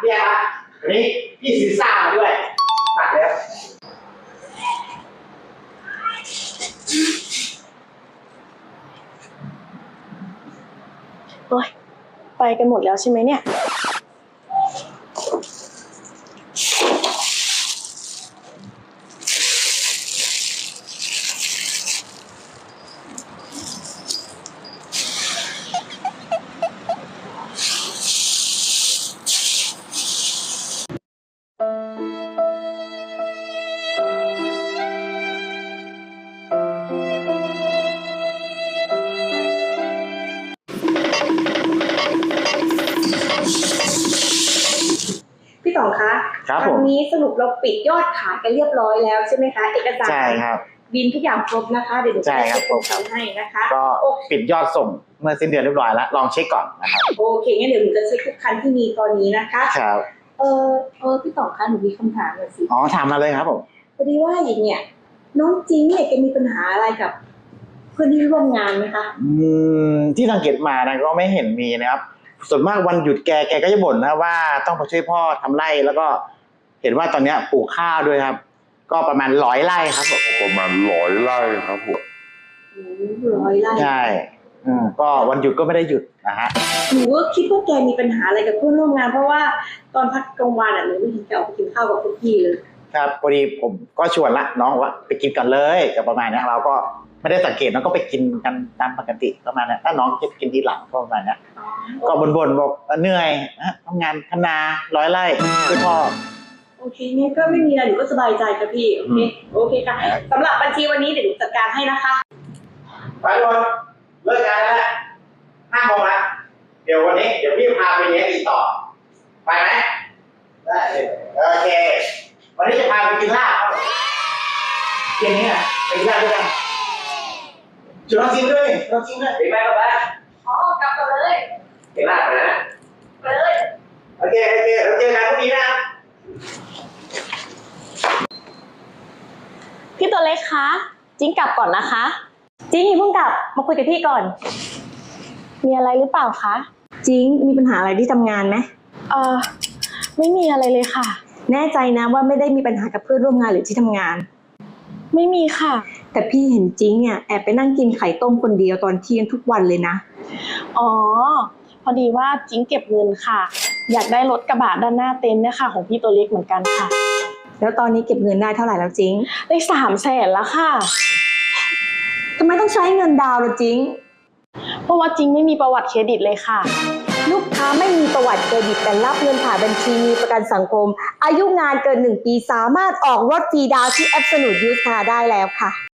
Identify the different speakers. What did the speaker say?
Speaker 1: เนี่ยครับวันนี้พี่ซีซ่ามาด้วยตัดแล้ว
Speaker 2: โอ๊ยไปกันหมดแล้วใช่ไหมเนี่ยพี่ต่องคะวันนี้สรุปเราปิดยอดขายกันเรียบร้อยแล้วใช่ไหมคะเอกสาร
Speaker 1: ใช่ครับ
Speaker 2: บินทุกอย่างครบนะคะเดี๋ยวหนูจะเช็คให้นะคะ
Speaker 1: ก็ปิดยอดส่งเมื่อสิ้นเดือนเรียบร้อยแล้วลองเช็คก่อนนะครับ
Speaker 2: โอเคงั้นเดี๋ยวหนูจะเช็คทุกคันที่มีตอนนี้นะคะ
Speaker 1: ครับ
Speaker 2: พี่ต่องคะหนูมีคำถามหน่อยสิ
Speaker 1: ถามมาเลยครับผม
Speaker 2: พอดีว่าอย่างเนี้ยน้องจิงเนี่ยแกมีปัญหาอะไรกับเพื่อนที่ร่วมงานไหมคะ
Speaker 1: ที่สังเกตมานะก็ไม่เห็นมีนะครับส่วนมากวันหยุดแกก็จะบ่นนะว่าต้องไปช่วยพ่อทำไร่แล้วก็เห็นว่าตอนนี้ปลูกข้าวด้วยครับก็ประมาณ100 ไร่ครับผม
Speaker 3: ประมาณ100 ไร่ครับผม
Speaker 2: 100 ไร่
Speaker 1: ใช่ก็วันหยุดก็ไม่ได้หยุดนะฮะ
Speaker 2: หนูก็คิดว่าแกมีปัญหาอะไรกับเพื่อนร่วมงานเพราะว่าตอนพักกลางวันหนูไม่เห็นแกออกไปกินข้าวกับพวกพี่เลย
Speaker 1: ครับพอดีผมก็ชวนละน้องว่าไปกินกันเลยกับประมาณนี้เราก็ไม่ได้สังเกตน้องก็ไปกินกันตามปกติประมาณนั้นถ้าน้องจะกินทีหลังก็ประมาณนี้ก็บ่นบอกเหนื่อยทำงานทำนา100 ไร่ช่วยพ่อ
Speaker 2: โอเคงั้นก็ไม่มีอะไรหนูก็สบายใจค่ะพี่โอเคค่ะสำหรับบัญชีวันนี้เดี๋ยวหนูจัดการให้นะคะ
Speaker 1: ไปทุกคนเลิกงานแล้ว5 โมงแล้วเดี๋ยววันนี้เดี๋ยวพี่พาไปเลี้ยงอีกต่อไปไหมได้โอเควันนี้จะพาไปกินลาบเย็นนี้นะไปกินลาบด้วยกันจุดน้องจิ้มด้วยน้องจิ้มด้วยไปกับบ้าน
Speaker 2: กลับกันเลย
Speaker 1: กินลาบไปนะ
Speaker 2: ไปเลย
Speaker 1: โอเคเราเจอกันพรุ่งนี้นะ
Speaker 2: พี่ตัวเล็กคะจิ้งกลับก่อนนะคะจิ้งอย่าเพิ่งกลับมาคุยกับพี่ก่อนมีอะไรหรือเปล่าคะจิ้งมีปัญหาอะไรที่ทำงานไหมไม่มีอะไรเลยค่ะแน่ใจนะว่าไม่ได้มีปัญหากับเพื่อนร่วมงานหรือที่ทำงานไม่มีค่ะแต่พี่เห็นจิ้งเนี่ยแอบไปนั่งกินไข่ต้มคนเดียวตอนเที่ยงทุกวันเลยนะพอดีว่าจิ้งเก็บเงินค่ะอยากได้รถกระบะด้านหน้าเต็นท์นะคะของพี่ตัวเล็กเหมือนกันค่ะแล้วตอนนี้เก็บเงินได้เท่าไหร่แล้วจิ้งได้300,000แล้วค่ะทำไมต้องใช้เงินดาวน์ล่ะจิ้งเพราะว่าจิ้งไม่มีประวัติเครดิตเลยค่ะลูกค้าไม่มีประวัติเครดิตแต่รับเงินผ่านบัญชีมีประกันสังคมอายุงานเกิน1 ปีสามารถออกรถฟรีดาวน์ที่ Absolute Used Car ได้แล้วค่ะ